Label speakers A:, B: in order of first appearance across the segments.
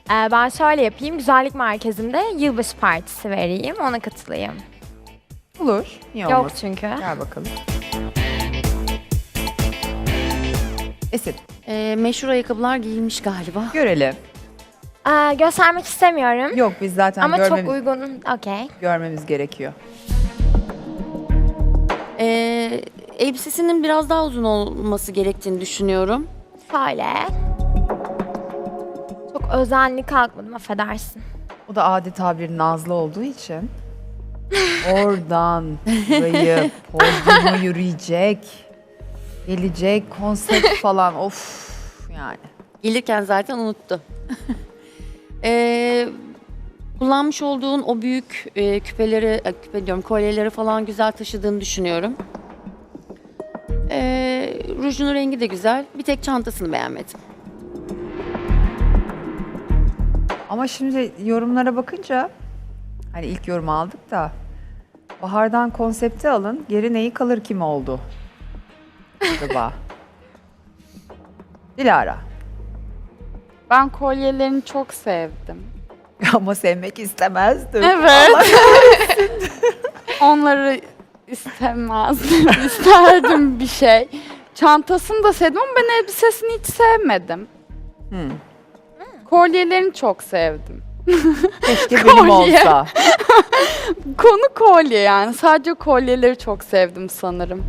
A: Ben şöyle yapayım. Güzellik merkezinde yılbaşı partisi vereyim. Ona katılayım.
B: Olur. Niye
A: Yok
B: olmasın?
A: çünkü.
B: Gel bakalım. Esin,
C: Meşhur ayakkabılar giyilmiş galiba.
B: görelim.
A: Göstermek istemiyorum.
B: Yok biz zaten
A: Ama çok
B: görmemiz,
A: uygun. Okey.
B: görmemiz gerekiyor.
C: Elbisesinin biraz daha uzun olması gerektiğini düşünüyorum.
A: Şöyle. Çok özenli kalkmadım, affedersin.
B: O da adeta bir nazlı olduğu için oradan burayı podyuma yürüyecek, gelecek, konsept falan of yani.
C: Gelirken zaten unuttu. Kullanmış olduğun o büyük küpeleri, küpe diyorum, kolyeleri falan güzel taşıdığını düşünüyorum. Rujunun rengi de güzel. Bir tek çantasını beğenmedim.
B: Ama şimdi yorumlara bakınca hani ilk yorum aldık da Bahar'dan konsepti alın, geri neyi kalır kim oldu? Acaba? Dilara.
D: Ben kolyelerini çok sevdim.
B: Ama sevmek istemezdim.
D: Evet. Onları istemezdim. İsterdim bir şey. Çantasını da sevdim ama ben elbisesini hiç sevmedim.
B: Hmm.
D: Kolyelerini çok sevdim.
B: Keşke benim
D: Kolye.
B: olsa.
D: Konu kolye yani. Sadece kolyeleri çok sevdim sanırım.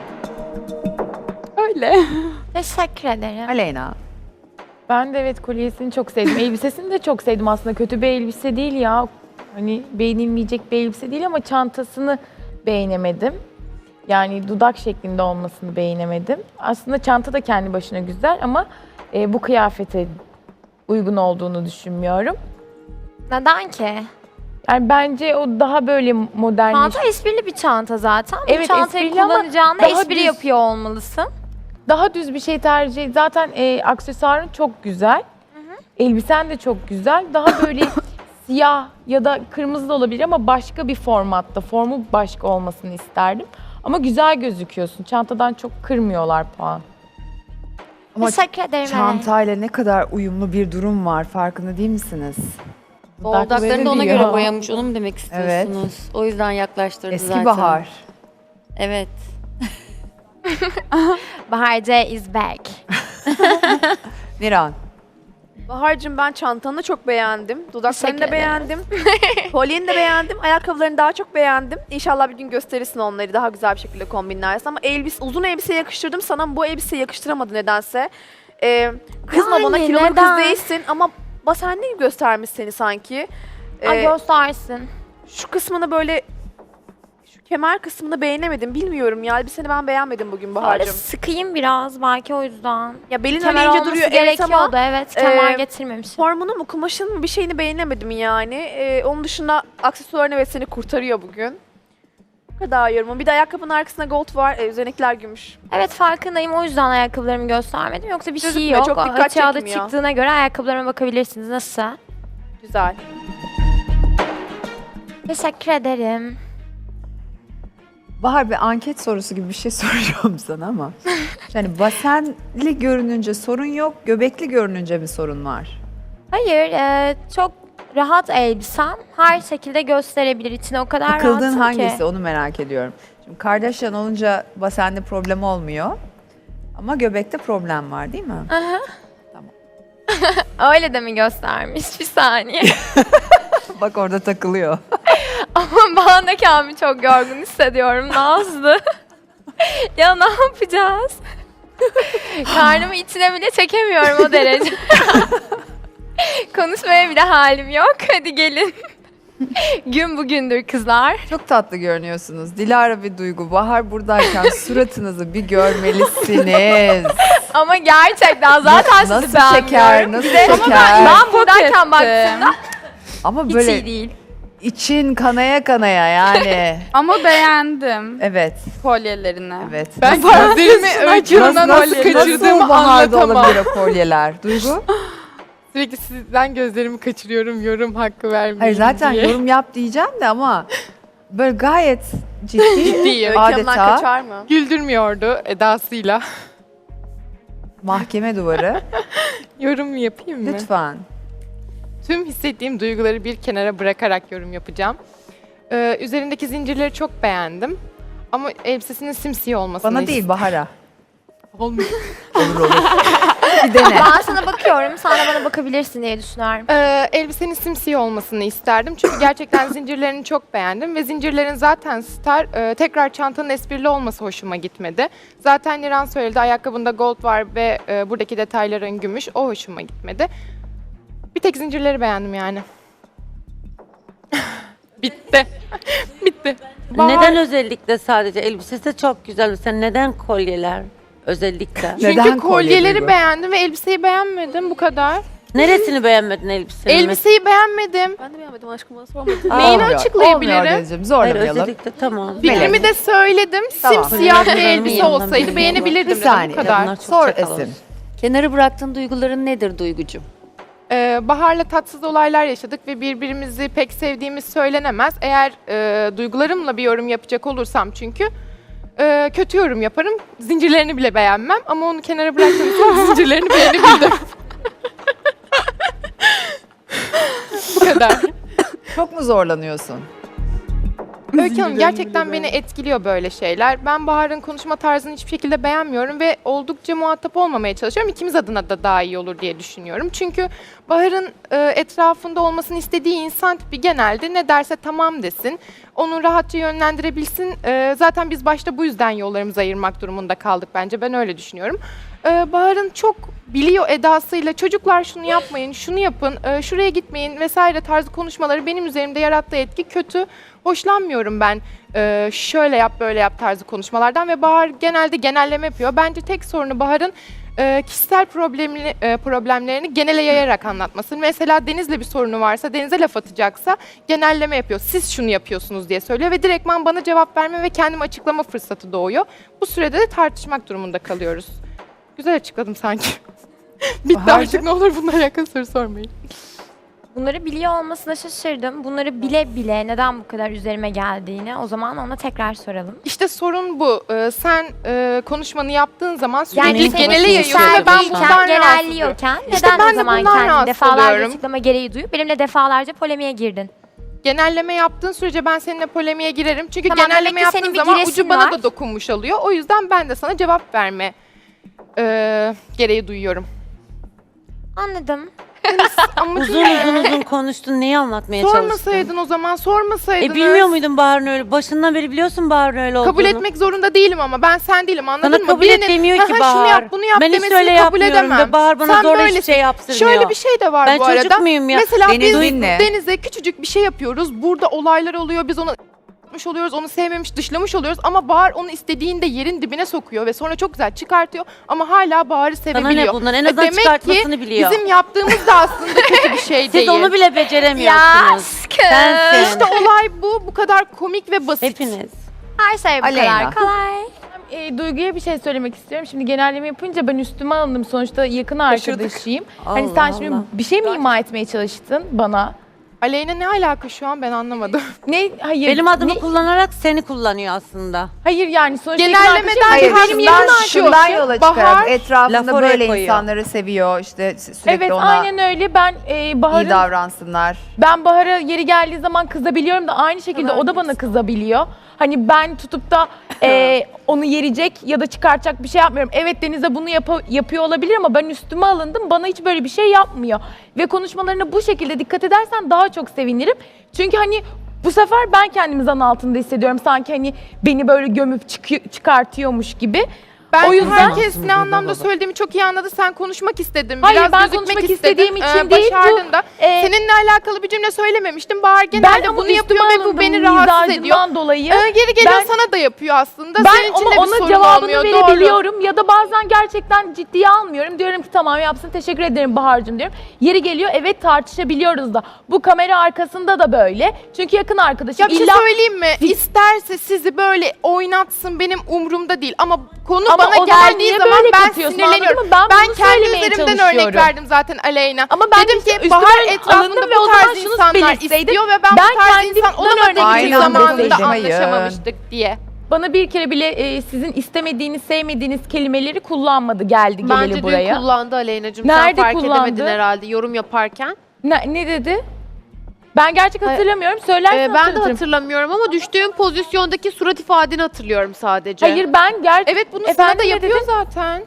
D: Öyle.
A: Teşekkür ederim.
B: Aleyna.
E: Ben de evet kolyesini çok sevdim. Elbisesini de çok sevdim aslında. Kötü bir elbise değil ya. Hani beğenilmeyecek bir elbise değil ama çantasını beğenemedim. Yani dudak şeklinde olmasını beğenemedim. Aslında çanta da kendi başına güzel ama bu kıyafete uygun olduğunu düşünmüyorum.
A: Neden ki?
E: Yani bence o daha böyle modern.
A: Çanta esprili bir çanta zaten. Bu
E: Evet,
A: çantayı
E: esprili ama
A: kullanacağına
E: daha
A: espri
E: düz.
A: yapıyor olmalısın.
E: Daha düz bir şey tercih. Zaten aksesuarın çok güzel. Elbisen de çok güzel. Daha böyle siyah ya da kırmızı da olabilir ama başka bir formatta. Formu başka olmasını isterdim. Ama güzel gözüküyorsun. Çantadan çok kırmıyorlar puan.
B: Ama
A: Teşekkür ederim.
B: çantayla ne kadar uyumlu bir durum var farkında değil misiniz?
C: Dudaklarını da ona
E: diyor.
C: göre boyamış. Onu mu demek istiyorsunuz? O yüzden yaklaştırdı
B: Eski
C: zaten.
B: Bahar.
C: Evet.
A: Bahar C is back.
B: Niran.
F: Bahar'cığım ben çantanı çok beğendim. Dudaklarını da
A: Teşekkür ederim.
F: beğendim. Kolyeni de beğendim. Ayakkabılarını daha çok beğendim. İnşallah bir gün gösterirsin onları daha güzel bir şekilde kombinlersin. Ama uzun elbise yakıştırdım sana ama bu elbiseyi yakıştıramadı nedense. Kızma bana
A: Yani
F: kilolu kız
A: neden?
F: değilsin ama basenli gibi göstermiş seni sanki.
A: Ay göstersin.
F: Şu kısmını böyle şu kemer kısmını beğenemedim. Bilmiyorum ya elbiseni ben beğenmedim bugün
A: Böyle
F: Bahar'cığım.
A: sıkayım biraz belki o yüzden.
F: Ya belin öyle
A: Kemer
F: ince
A: olması
F: duruyor evet ama
A: gerekiyordu evet. Kemer
F: e,
A: getirmemişim.
F: formunu mu kumaşını mı bir şeyini beğenemedim yani. Onun dışında aksesuarını evet seni kurtarıyor bugün. Bu kadar yorumum. Bir de ayakkabının arkasında gold var. Üzerindekiler gümüş.
A: Evet farkındayım o yüzden ayakkabılarımı göstermedim. Yoksa bir şey
F: Gözükmüyor,
A: yok.
F: çok dikkat
A: Açığa da
F: çekmiyor.
A: çıktığına göre ayakkabılarıma bakabilirsiniz. Nasıl?
F: Güzel.
A: Teşekkür ederim.
B: Bahar bir anket sorusu gibi bir şey soracağım sana ama. Yani basenli görününce sorun yok, göbekli görününce mi sorun var?
A: Hayır çok rahat elbisem. Her şekilde gösterebilir. İçine o kadar
B: Takıldığın
A: rahatım
B: hangisi
A: ki.
B: onu merak ediyorum. Şimdi Kardashian olunca basende problem olmuyor. Ama göbekte problem var değil mi?
A: Öyle de mi göstermiş? Bir saniye.
B: Bak orada takılıyor.
A: Ama ben de kendimi çok yorgun hissediyorum Nazlı. Ya ne yapacağız? Karnımı içine bile çekemiyorum o derece. Konuşmaya bile halim yok. Hadi gelin. Gün bugündür kızlar.
B: Çok tatlı görünüyorsunuz. Dilara bir Duygu. Bahar buradayken suratınızı bir görmelisiniz.
A: Ama gerçekten zaten sizi
B: Nasıl
A: beğenmiyorum.
B: çeker, nasıl
A: Ama
B: çeker?
A: ben buradayken
D: ettim.
A: baktığımda
B: Ama
A: hiç
B: böyle
A: iyi değil.
B: için kanaya kanaya yani.
D: Ama beğendim
B: Evet,
D: kolyelerini.
B: evet.
E: Ben
B: Nasıl-
E: gözlerimi öykümden nasıl kaçırdığımı
B: nasıl Bahar'da
E: anlatamam.
B: olabilir o kolyeler? Duygu?
E: Sürekli sizden gözlerimi kaçırıyorum yorum hakkı vermeyin
B: Hayır zaten
E: diye.
B: yorum yap diyeceğim de ama böyle gayet ciddi
E: Ciddiyim.
F: Öykü Hanım'dan
B: adeta
F: kaçar mı?
E: Güldürmüyordu edasıyla.
B: mahkeme duvarı.
E: Yorum yapayım mı?
B: Lütfen.
G: tüm hissettiğim duyguları bir kenara bırakarak yorum yapacağım. Üzerindeki zincirleri çok beğendim. Ama elbisesinin simsiyah olmasını
B: Bana değil Bahar'a.
G: Olmuyor.
B: Olur olur. Bir dene.
A: Ben sana bakıyorum, sen de bana bakabilirsin diye düşünüyorum.
G: Elbisenin simsiyah olmasını isterdim. Çünkü gerçekten zincirlerini çok beğendim. Ve zincirlerin zaten tekrar çantanın esprili olması hoşuma gitmedi. Zaten Niran söyledi, ayakkabında gold var ve buradaki detayların gümüş. O hoşuma gitmedi. Bir tek zincirleri beğendim yani. Bitti. Bitti.
H: Neden özellikle sadece elbisesi de çok güzel. Mesela neden kolyeler özellikle?
G: Çünkü
B: Neden kolye
G: kolyeleri
B: Duygu?
G: beğendim ve elbiseyi beğenmedim. Bu kadar.
H: Neresini beğenmedin elbisenin?
G: Elbiseyi beğenmedim.
F: Ben de beğenmedim aşkım, bana sormadın.
G: Neyini
B: Olmuyor,
G: açıklayabilirim?
B: Olmuyor Denizciğim,
H: Hayır
B: zorlamayalım.
H: özellikle tamam.
G: Fikrimi de söyledim.
B: Tamam.
G: Simsiyah bir
H: Kolyeleri
G: elbise
H: yanından
G: olsaydı
H: biliyorum.
G: beğenebilirdim.
B: Bir
G: dedim,
B: saniye.
G: Bu kadar.
H: Bunlar çok
B: Sor
H: çakal
B: Esin.
H: olur.
C: Kenara bıraktığın duyguların nedir Duygucuğum?
G: Bahar'la tatsız olaylar yaşadık ve birbirimizi pek sevdiğimiz söylenemez. Eğer duygularımla bir yorum yapacak olursam çünkü kötü yorum yaparım. Zincirlerini bile beğenmem ama onu kenara bıraktığım için zincirlerini beğenebildim. Bu kadar.
B: Çok mu zorlanıyorsun?
G: Öykü Hanım, gerçekten beni etkiliyor böyle şeyler. Ben Bahar'ın konuşma tarzını hiçbir şekilde beğenmiyorum ve oldukça muhatap olmamaya çalışıyorum. İkimiz adına da daha iyi olur diye düşünüyorum. Çünkü Bahar'ın etrafında olmasını istediği insan tipi genelde ne derse tamam desin. Onu rahatça yönlendirebilsin. Zaten biz başta bu yüzden yollarımızı ayırmak durumunda kaldık bence. Ben öyle düşünüyorum. Bahar'ın çok biliyor edasıyla çocuklar şunu yapmayın, şunu yapın, şuraya gitmeyin vesaire tarzı konuşmaları benim üzerimde yarattığı etki kötü. Hoşlanmıyorum ben şöyle yap böyle yap tarzı konuşmalardan ve Bahar genelde genelleme yapıyor. Bence tek sorunu Bahar'ın kişisel problemlerini genele yayarak anlatması. Mesela Deniz'le bir sorunu varsa, Deniz'e laf atacaksa genelleme yapıyor. Siz şunu yapıyorsunuz diye söylüyor ve direktman bana cevap verme ve kendimi açıklama fırsatı doğuyor. Bu sürede de tartışmak durumunda kalıyoruz. Güzel açıkladım sanki. Bitti artık, ne olur bununla alakalı soru sormayın.
A: Bunları biliyor olmasına şaşırdım. Bunları bile bile neden bu kadar üzerime geldiğini o zaman ona tekrar soralım.
G: İşte sorun bu. Sen konuşmanı yaptığın zaman
A: Yani
G: sürekli
A: sen
G: genele yayıyorsun ve ben
A: yükseltiyken,
G: bundan rahatsızım.
A: genelliyorken
G: İşte
A: neden
G: ben
A: o
G: de
A: zaman
G: bundan
A: kendini
G: rahatsız
A: defalarca
G: oluyorum.
A: açıklama gereği duyup benimle defalarca polemiğe girdin?
G: Genelleme yaptığın sürece ben seninle polemiğe girerim. Çünkü
A: Tamam,
G: genelleme
A: demek ki
G: yaptığın
A: senin bir
G: zaman
A: giresin
G: ucu bana
A: var.
G: da dokunmuş oluyor. O yüzden ben de sana cevap verme gereği duyuyorum.
A: Anladım.
G: Ama
H: Uzun konuştun. Neyi anlatmaya çalıştın?
G: sormasaydın o zaman, sormasaydınız.
H: Bilmiyor muydun Bahar'ın öyle? Başından beri biliyorsun Bahar'ın öyle olduğunu.
G: Kabul etmek zorunda değilim ama ben sen değilim, anladın
H: Sana
G: mı?
H: kabul
G: Birinin,
H: et demiyor ki
G: "Aha,
H: Bahar.
G: şunu yap bunu yap
H: Ben hiç
G: demesini
H: öyle
G: kabul
H: yapmıyorum
G: edemem.
H: ve Bahar bana
G: Sen
H: zorla hiçbir
G: böylesin.
H: şey yaptırmıyor.
G: Şöyle bir şey de var
H: Ben
G: bu
H: çocuk
G: arada.
H: muyum ya?
G: Mesela
B: Beni
G: biz
B: dinle.
G: Deniz'e küçücük bir şey yapıyoruz. Burada olaylar oluyor. Biz onu oluyoruz, onu sevmemiş, dışlamış oluyoruz ama Bahar onu istediğinde yerin dibine sokuyor ve sonra çok güzel çıkartıyor ama hala Bahar'ı
H: Sana
G: sevebiliyor.
H: ne bundan? En
G: Ve
H: azından
G: demek
H: çıkartmasını
G: ki
H: biliyor.
G: bizim yaptığımız da aslında kötü bir şey değil.
H: Siz onu bile beceremiyorsunuz. Sensin.
G: İşte olay bu kadar komik ve basit.
H: Hepiniz.
A: Her şey bu
B: Aleyna.
A: kadar kolay.
E: Duygu'ya bir şey söylemek istiyorum. Şimdi genelleme yapınca ben üstüme alındım. Sonuçta yakın arkadaşıyım. Hani sen şimdi
H: Allah.
E: bir şey mi ima etmeye çalıştın bana?
G: Aleyna ne alaka şu an, ben anlamadım.
E: Ne? Hayır.
H: Benim adımı
E: ne-
H: kullanarak seni kullanıyor aslında.
E: Hayır yani sonuçta
G: Genellemeden
E: yakın
B: Hayır,
E: arkadaşım, benim yakın
B: şundan,
E: arkadaşım.
B: şundan yola
G: Bahar,
B: çıkarak etrafında
H: laf oraya
B: böyle
H: koyuyor.
B: insanları seviyor. İşte sürekli
E: Evet
B: ona
E: aynen öyle. Ben
B: iyi
E: Bahar'ın
B: davransınlar.
E: Ben Bahar'a yeri geldiği zaman kızabiliyorum da aynı şekilde o da bana kızabiliyor. Hani ben tutup da onu yerecek ya da çıkartacak bir şey yapmıyorum. Evet Deniz'e bunu yapıyor olabilir ama ben üstüme alındım. Bana hiç böyle bir şey yapmıyor. Ve konuşmalarına bu şekilde dikkat edersen daha çok sevinirim. Çünkü hani bu sefer ben kendimi zan altında hissediyorum. Sanki hani beni böyle gömüp çıkartıyormuş gibi.
G: Ben
E: O yüzden-
G: herkes ne anlamda söylediğimi çok iyi anladı. Sen konuşmak istedin.
E: Hayır,
G: Biraz
E: ben
G: gözükmek
E: konuşmak
G: istedin.
E: istediğim için değil, bu,
G: Başardın da.
E: e,
G: Seninle alakalı bir cümle söylememiştim. Bahar
E: Ben
G: genelde
E: ama
G: bunu
E: üstüme
G: yapıyor ve bu
E: alındım
G: beni rahatsız ediyor.
E: mizacından dolayı.
G: Geri geliyor
E: Ben-
G: sana da yapıyor aslında.
E: Ben
G: Senin için
E: ama
G: de bir
E: ona
G: sorun
E: cevabını
G: olmuyor.
E: verebiliyorum ya da bazen gerçekten ciddiye almıyorum. Diyorum ki tamam yapsın, teşekkür ederim Bahar'cığım diyorum. Yeri geliyor evet tartışabiliyoruz da. Bu kamera arkasında da böyle. Çünkü yakın arkadaşım.
G: Ya bir şey söyleyeyim mi? İsterse sizi böyle oynatsın, benim umurumda değil. Ama konu
E: Ama
G: bana
E: o zaman
G: geldiği
E: niye
G: zaman
E: böyle
G: ben
E: katıyorsun,
G: sinirleniyorum.
E: anladın mı? Ben bunu
G: kendi
E: söylemeye
G: üzerimden
E: çalışıyorum.
G: örnek verdim zaten Aleyna.
E: Ama ben
G: dedim
E: de
G: ki
E: üstüme
G: Bahar
E: alındım
G: etrafında
E: ve o
G: bu
E: zaman
G: tarz
E: şunu
G: insanlar
E: belirtseydim,
G: istiyor ve ben
E: ben
G: bu tarz insan
E: kendimden
G: olamadığı
E: örnek
G: için
B: Aynen
G: zamanında
B: deseydim, hayır.
G: anlaşamamıştık diye.
E: Bana bir kere bile sizin istemediğiniz, sevmediğiniz kelimeleri kullanmadı geldi geleli
I: Bence
E: buraya.
I: dün kullandı Aleyna'cığım.
E: Nerede
I: Sen fark
E: kullandı?
I: edemedin herhalde yorum yaparken.
E: Ne dedi? Ben gerçek hatırlamıyorum. Söylersen
I: Ben de
E: hatırlatırım.
I: hatırlamıyorum ama düştüğüm pozisyondaki surat ifadeni hatırlıyorum sadece.
E: Hayır ben
G: Evet bunu sana
E: Efendim,
G: da
E: ne
G: yapıyor
E: dedin?
G: zaten.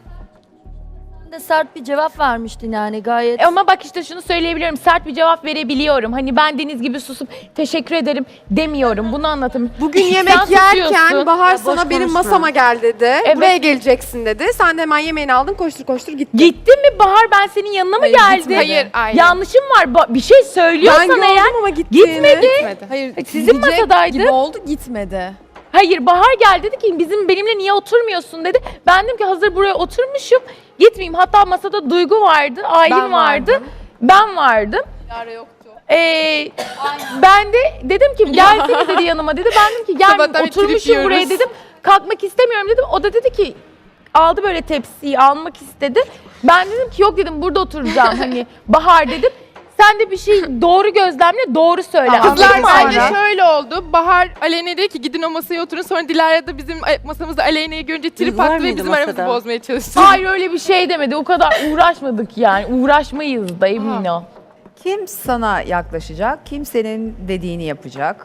J: de sert bir cevap vermiştin yani gayet.
E: Ama bak işte şunu söyleyebiliyorum. Sert bir cevap verebiliyorum. Hani ben Deniz gibi susup teşekkür ederim demiyorum. Bunu anlatayım.
K: Bugün
E: Sen
K: yemek
E: susuyorsun.
K: yerken Bahar
J: Ya boş
K: sana benim
J: konuşma.
K: masama gel dedi.
E: Evet.
K: Buraya geleceksin dedi. Sen de hemen yemeğini aldın koştur koştur gittin.
E: Gittin mi Bahar, ben senin yanına mı
K: Hayır,
E: geldim?
K: gitmedi.
G: Hayır, aynen.
E: Yanlışım var. Bir şey
K: Ben
E: söylüyorsan
K: gördüm
E: eğer.
K: ama gittiğini.
E: Gitmedi.
G: Gitmedi.
K: Hayır
E: Sizin
K: gidecek
E: masadaydı.
K: gibi oldu gitmedi.
E: Hayır, Bahar geldi dedi ki benimle niye oturmuyorsun dedi. Ben dedim ki hazır buraya oturmuşum. Gitmeyeyim. Hatta masada Duygu vardı, Aylin
K: Ben
E: vardı.
K: vardım.
E: Ben vardım.
K: Yara yoktu.
E: Ben de dedim ki gelsene dedi yanıma dedi. Ben dedim ki gel
G: Sabahtan bir trip
E: oturmuşum buraya
G: yiyoruz.
E: dedim. Kalkmak istemiyorum dedim. O da dedi ki aldı böyle tepsiyi almak istedi. Ben dedim ki yok dedim burada oturacağım hani Bahar dedim. Sen de bir şey doğru gözlemle doğru söyle.
K: Tamam.
E: Anladın
G: Kızlar
E: mı?
G: bence
K: Sonra?
G: şöyle oldu. Bahar Aleyna'ya dedi ki gidin o masaya oturun. Sonra Dilara da bizim masamızda Aleyna'yı görünce trip
H: Duygu var
G: attı ve
H: mıydı
G: bizim aramızı
H: masada?
G: bozmaya çalıştı.
E: Hayır öyle bir şey demedi. O kadar uğraşmadık yani. Uğraşmayız da emin ol.
B: Kim sana yaklaşacak, kim senin dediğini yapacak.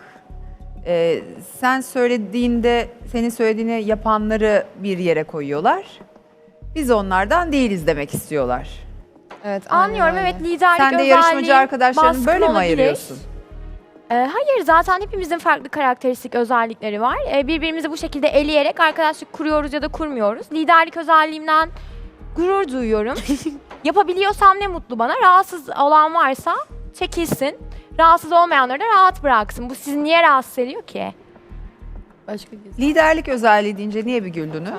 B: Sen söylediğinde, senin söylediğini yapanları bir yere koyuyorlar. Biz onlardan değiliz demek istiyorlar.
K: Evet, aynen
A: Anlıyorum
K: öyle.
A: evet liderlik
B: Sen de
A: özelliği
B: yarışmacı arkadaşlarını
A: baskın
B: böyle mi
A: olabilir.
B: ayırıyorsun?
A: Hayır zaten hepimizin farklı karakteristik özellikleri var. Birbirimizi bu şekilde eleyerek arkadaşlık kuruyoruz ya da kurmuyoruz. Liderlik özelliğimden gurur duyuyorum. Yapabiliyorsam ne mutlu bana. Rahatsız olan varsa çekilsin. Rahatsız olmayanları da rahat bıraksın. Bu sizi niye rahatsız ediyor ki?
J: Başka bir
B: Liderlik özelliği deyince niye bir güldünüz?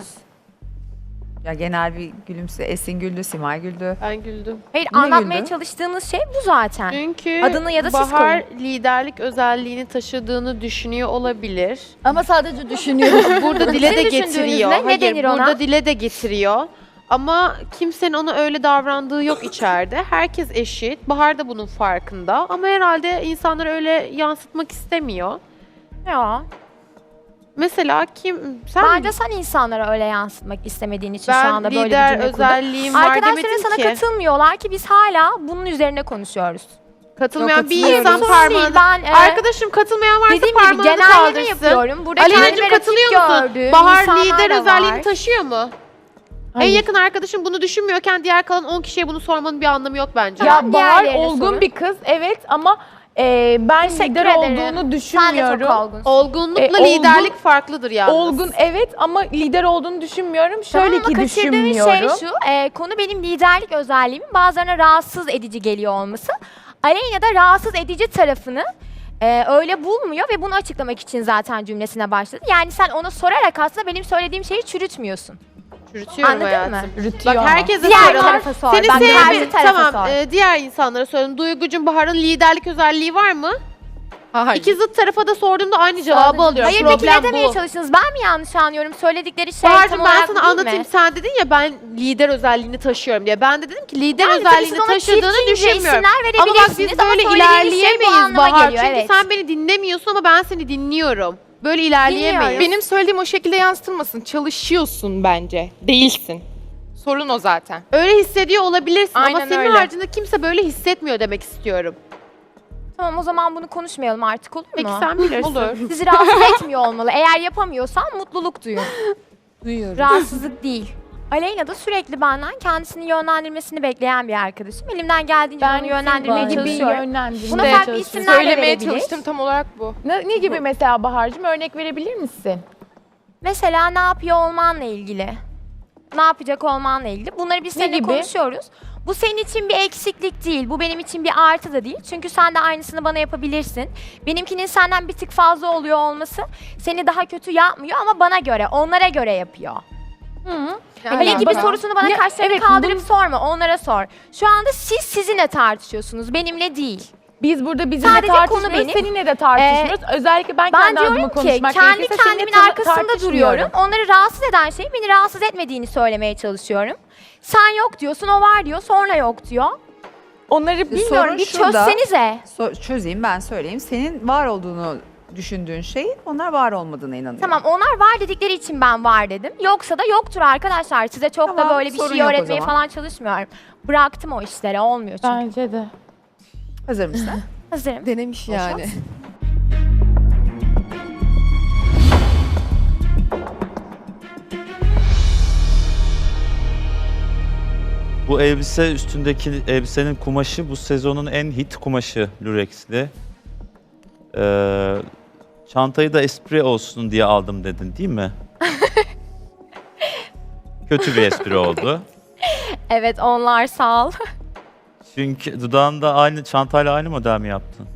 B: Ya genel bir gülümse. Esin güldü, Simay güldü.
I: Ben güldüm.
A: Hayır
B: Niye
A: anlatmaya
B: güldün?
A: çalıştığınız şey bu zaten.
I: Çünkü
A: Adını ya da siz
I: Bahar liderlik özelliğini taşıdığını düşünüyor olabilir.
J: Ama sadece düşünüyorum.
I: Burada dile de
A: Sizin
I: getiriyor.
A: düşündüğünüzde ne
I: Hayır,
A: denir ona?
I: burada dile de getiriyor. Ama kimsenin ona öyle davrandığı yok içeride. Herkes eşit. Bahar da bunun farkında. Ama herhalde insanları öyle yansıtmak istemiyor.
A: Ya.
I: Mesela sen
A: Bence sen insanlara öyle yansıtmak istemediğin için şu
I: ben
A: anda böyle bir
I: lider
A: cümle kurdun.
I: özelliğim var
A: Arkadaşların
I: demedin
A: sana
I: ki.
A: katılmıyorlar ki biz hala bunun üzerine konuşuyoruz.
I: Katılmayan bir
K: katılıyorum.
I: insan
A: Sorun değil,
I: parmağını...
A: ben,
I: Arkadaşım katılmayan varsa
A: dediğim gibi
I: parmağını
A: genelleme
I: kaldırsın.
A: yapıyorum. Burada
I: Aleyna'cığım
A: kendime rakip
I: katılıyor musun?
A: gördüğüm
I: Bahar
A: insanlar
I: lider
A: da
I: özelliğini
A: var.
I: taşıyor mu? En
E: Hayır.
I: yakın arkadaşım bunu düşünmüyorken diğer kalan 10 kişiye bunu sormanın bir anlamı yok bence.
E: Ya Bahar
A: diğerlerine
E: olgun
A: sorun.
E: bir kız evet ama ben
A: Teşekkür
E: lider
A: ederim.
E: olduğunu
A: Sen de
E: düşünmüyorum.
A: çok olgunsun.
I: Olgunlukla
E: olgun-
I: liderlik farklıdır yalnız.
E: Olgun evet ama lider olduğunu düşünmüyorum.
A: Tamam
E: Şöyle
A: ama
E: ki
A: kaçırdığın
E: düşünmüyorum.
A: şey şu, konu benim liderlik özelliğimin bazılarına rahatsız edici geliyor olması. Aleyna da rahatsız edici tarafını öyle bulmuyor ve bunu açıklamak için zaten cümlesine başladı. Yani sen ona sorarak aslında benim söylediğim şeyi çürütmüyorum.
I: Çürütüyorum
A: Anladın
I: hayatım.
A: mı?
E: Rütüyor
I: Bak
E: ama.
I: herkese
A: Diğer
I: soralım.
A: tarafa sor.
I: Seni
A: Bak, karşı
I: sevmiyorum.
A: tarafa
I: Tamam
A: sor.
I: diğer insanlara soralım. Duygucum Bahar'ın liderlik özelliği var mı?
G: Hayır.
I: İki zıt tarafa da sorduğumda aynı cevabı alıyorum.
A: Hayır peki
I: Problem
A: ne demeye
I: bu.
A: çalıştınız? Ben mi yanlış anlıyorum? Söyledikleri şey
I: Bahar'cığım
A: tam
I: ben
A: olarak
I: sana
A: değil
I: anlatayım.
A: mi?
I: Sen dedin ya ben lider özelliğini taşıyorum diye. Ben de dedim ki lider
A: Yani tabii
I: özelliğini
A: siz ona
I: taşıdığını
A: çirkince
I: düşünmüyorum.
A: isimler
I: Ama bak biz
A: verebilirsiniz ama
I: böyle
A: söylediğiniz şey bu
I: ilerleyemeyiz
A: anlama
I: Bahar.
A: geliyor,
I: Çünkü
A: evet.
I: sen beni dinlemiyorsun ama ben seni dinliyorum. Böyle ilerleyemeyiz.
A: Dinliyorum.
G: Benim söylediğim o şekilde yansıtılmasın. Çalışıyorsun bence. Değilsin. Sorun o zaten.
I: Öyle hissediyor olabilirsin ama
G: Aynen
I: senin
G: öyle.
I: haricinde kimse böyle hissetmiyor demek istiyorum.
A: Tamam o zaman bunu konuşmayalım artık olur mu?
I: Peki sen bilirsin.
G: Olur.
A: Sizi rahatsız etmiyor olmalı. Eğer yapamıyorsan mutluluk duyun.
J: duyuyorum.
A: Rahatsızlık değil. Aleyna da sürekli benden kendisini yönlendirmesini bekleyen bir arkadaşım. Elimden geldiğince
E: Ben
A: onu yönlendirmeye
J: gibi
E: gibi
A: çalışıyorum.
E: yönlendirmeye
A: Buna farklı
E: çalışıyorum.
A: isimler de
G: Söylemeye
A: verebilir.
G: çalıştım tam olarak bu.
E: Ne gibi mesela Bahar'cığım örnek verebilir misin?
A: Mesela ne yapıyor olmanla ilgili. Ne yapacak olmanla ilgili. Bunları biz
E: Ne
A: seninle
E: gibi?
A: konuşuyoruz. Bu senin için bir eksiklik değil. Bu benim için bir artı da değil. Çünkü sen de aynısını bana yapabilirsin. Benimkinin senden bir tık fazla oluyor olması seni daha kötü yapmıyor ama bana göre, onlara göre yapıyor. Hele gibi
E: bak-
A: sorusunu bana
E: Ya,
A: kaşlarını
E: evet,
A: kaldırıp sorma, onlara sor. Şu anda siz sizinle tartışıyorsunuz, benimle değil.
E: Biz burada bizimle
A: Sadece konu
E: tartışmıyoruz,
A: benim.
E: seninle de tartışmıyoruz. Özellikle ben
A: Ben
E: kendi adıma
A: diyorum ki
E: konuşmak
A: kendi
E: gerekirse seninle
A: kendimin arkasında
E: tartışmıyorum.
A: duruyorum. Onları rahatsız eden şeyi beni rahatsız etmediğini söylemeye çalışıyorum. Sen yok diyorsun, o var diyor, sonra yok diyor.
E: Onları
A: Bilmiyorum,
B: Sorun
A: bir
B: şurada.
A: çözsenize.
B: Çözeyim ben söyleyeyim. Senin var olduğunu düşündüğün şey onlar var olmadığına inanıyorum.
A: Tamam onlar var dedikleri için ben var dedim. Yoksa da yoktur arkadaşlar. Size çok
B: Tamam,
A: da böyle bir
B: sorun
A: şey
B: yok o
A: öğretmeye
B: zaman.
A: falan çalışmıyorum. Bıraktım o işleri, olmuyor çünkü.
E: Bence de.
B: Hazır mısın?
A: Hazırım.
K: Denemiş yani.
L: Bu elbise üstündeki elbisenin kumaşı bu sezonun en hit kumaşı Lurex'li. Çantayı da espri olsun diye aldım dedin değil mi? Kötü bir espri oldu.
A: Evet onlar sağ ol.
L: Çünkü dudağında aynı çantayla aynı model mi yaptın?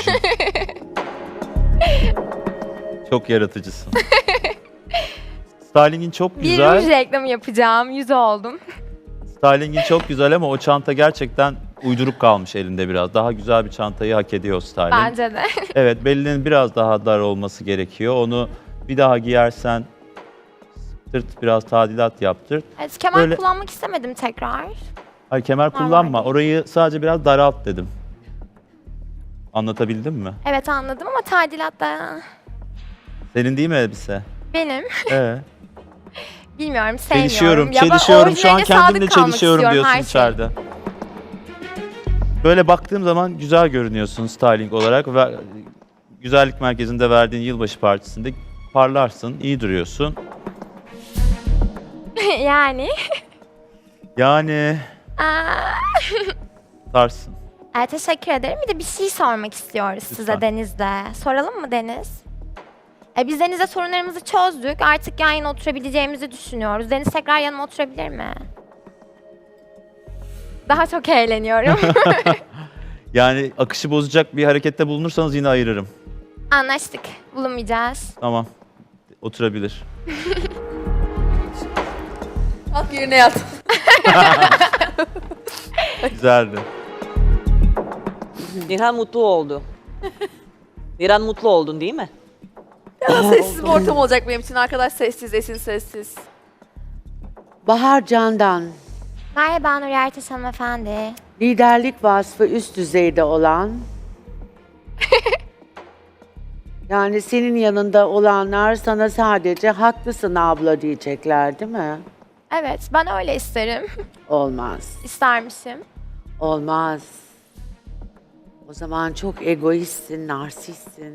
L: Çok yaratıcısın. Stylingin çok
A: Bir
L: güzel.
A: ruj reklamı yapacağım. 100 oldum.
L: Stylingin çok güzel ama o çanta gerçekten uyduruk kalmış elinde biraz. Daha güzel bir çantayı hak ediyor styling.
A: Bence de.
L: Evet, belinin biraz daha dar olması gerekiyor. Onu bir daha giyersen sırt biraz tadilat yaptır.
A: Evet, kemer
L: Böyle-
A: kullanmak istemedim tekrar.
L: Hayır, kemer kullanma. Orayı sadece biraz daralt dedim. Anlatabildim mi?
A: Evet anladım ama tadilat da
L: Senin değil mi elbise?
A: benim. Bilmiyorum sevmiyorum.
L: Çelişiyorum,
A: Ya ben
L: çelişiyorum. Şu an
A: orijinaline
L: kendimle
A: sadık kalmak
L: çelişiyorum
A: istiyorum,
L: diyorsun
A: her şey.
L: içeride. Böyle baktığım zaman güzel görünüyorsun styling olarak ve güzellik merkezinde verdiğin yılbaşı partisinde parlarsın, iyi duruyorsun.
A: Yani.
L: Yani
A: Aa,
L: tarsın.
A: teşekkür ederim. Bir de bir şey sormak istiyoruz size
L: Lütfen.
A: Deniz'de. Soralım mı Deniz? Biz Deniz'le sorunlarımızı çözdük. Artık yan yana oturabileceğimizi düşünüyoruz. Deniz tekrar yanıma oturabilir mi? Daha çok eğleniyorum.
L: Yani akışı bozacak bir harekette bulunursanız yine ayırırım.
A: Anlaştık. Bulunmayacağız.
L: Tamam. Oturabilir.
K: Kalk yerine yat.
L: Güzeldi.
M: Nilhan mutlu oldu. Nilhan mutlu oldun değil mi?
F: Sessiz bir ortam olacak benim için. Arkadaş sessiz, Esin sessiz.
N: Bahar Candan,
A: Merhaba Nur Ertaş hanımefendi.
N: liderlik vasfı üst düzeyde olan, yani senin yanında olanlar sana sadece haklısın abla diyecekler değil mi?
A: Evet ben öyle isterim.
N: Olmaz,
A: İstermişim.
N: olmaz. O zaman çok egoistsin, narsistsin.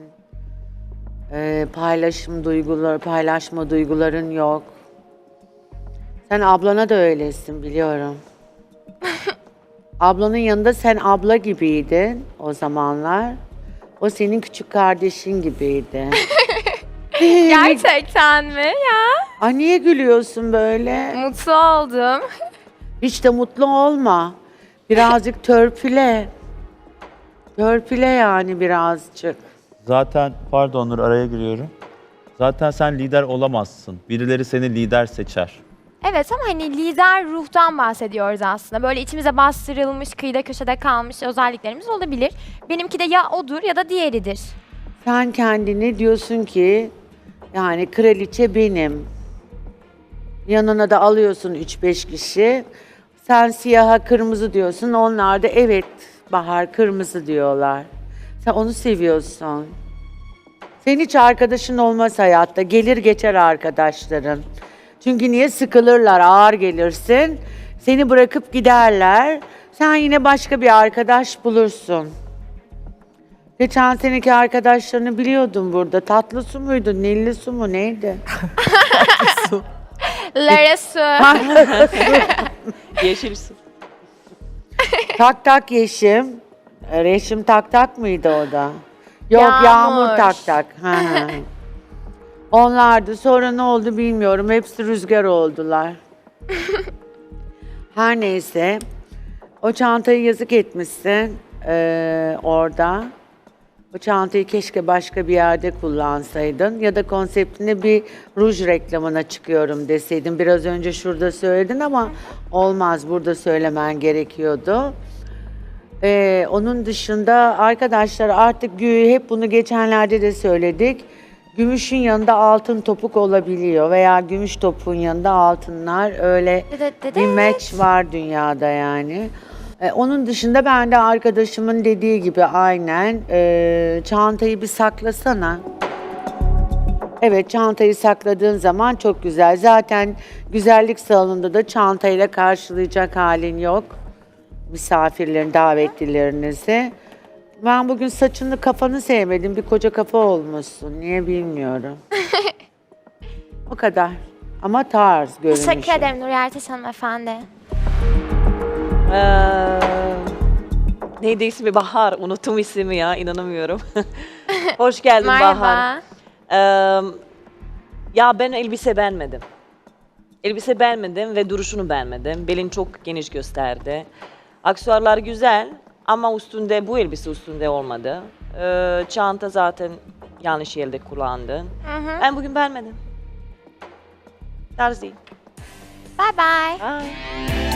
N: Paylaşma duyguların yok. Sen ablana da öylesin biliyorum. Ablanın yanında sen abla gibiydin o zamanlar. O senin küçük kardeşin gibiydi.
A: Gerçekten mi ya?
N: Ay niye gülüyorsun böyle?
A: Mutlu oldum.
N: Hiç de mutlu olma. Birazcık törpüle. Törpüle yani birazcık.
L: Zaten pardon Nur araya giriyorum. Zaten sen lider olamazsın. Birileri seni lider seçer.
A: Evet ama hani lider ruhtan bahsediyoruz aslında. Böyle içimize bastırılmış, kıyıda köşede kalmış özelliklerimiz olabilir. Benimki de ya odur ya da diğeridir.
N: Sen kendini diyorsun ki yani kraliçe benim. Yanına da alıyorsun 3-5 kişi. Sen siyaha kırmızı diyorsun. Onlar da evet Bahar kırmızı diyorlar. Sen onu seviyorsun. Senin hiç arkadaşın olmaz hayatta. Gelir geçer arkadaşların. Çünkü niye sıkılırlar, ağır gelirsin. Seni bırakıp giderler. Sen yine başka bir arkadaş bulursun. Geçen seneki arkadaşlarını biliyordum burada. Tatlı su muydu, nilli su mu neydi?
A: Lara Su.
M: Yeşil su.
N: Tak tak Yeşim. Reşim tak tak mıydı o da? Yok
A: Yağmur.
N: Yağmur tak tak. Hı hı. Onlardı. Sonra ne oldu bilmiyorum. Hepsi rüzgar oldular. Her neyse. O çantayı yazık etmişsin orada. O çantayı keşke başka bir yerde kullansaydın. Ya da konseptinde bir ruj reklamına çıkıyorum deseydin. Biraz önce şurada söyledin ama olmaz. Burada söylemen gerekiyordu. Onun dışında arkadaşlar artık hep bunu geçenlerde de söyledik. Gümüşün yanında altın topuk olabiliyor veya gümüş topun yanında altınlar öyle bir match var dünyada yani. Onun dışında ben de arkadaşımın dediği gibi aynen çantayı bir saklasana. Evet çantayı sakladığın zaman çok güzel. Zaten güzellik salonunda da çantayla karşılayacak halin yok. Misafirlerin, davetlilerinizi. Ben bugün saçını, kafanı sevmedim. Bir koca kafa olmuşsun. Niye bilmiyorum. O kadar. Ama tarz görünüşü.
A: Teşekkür ederim Nur Yertaş hanımefendi.
M: Neydi ismi? Bahar. Unuttum ismi ya. İnanamıyorum. Hoş geldin Bahar.
A: Merhaba.
M: Ya ben elbise beğenmedim. Elbise beğenmedim ve duruşunu beğenmedim. Belin çok geniş gösterdi. Aksesuarlar güzel ama üstünde bu elbise üstünde olmadı. Çanta zaten yanlış yerde kullandın. Ben bugün beğenmedim. Tarz değil.
A: Bye bye.
M: Bye.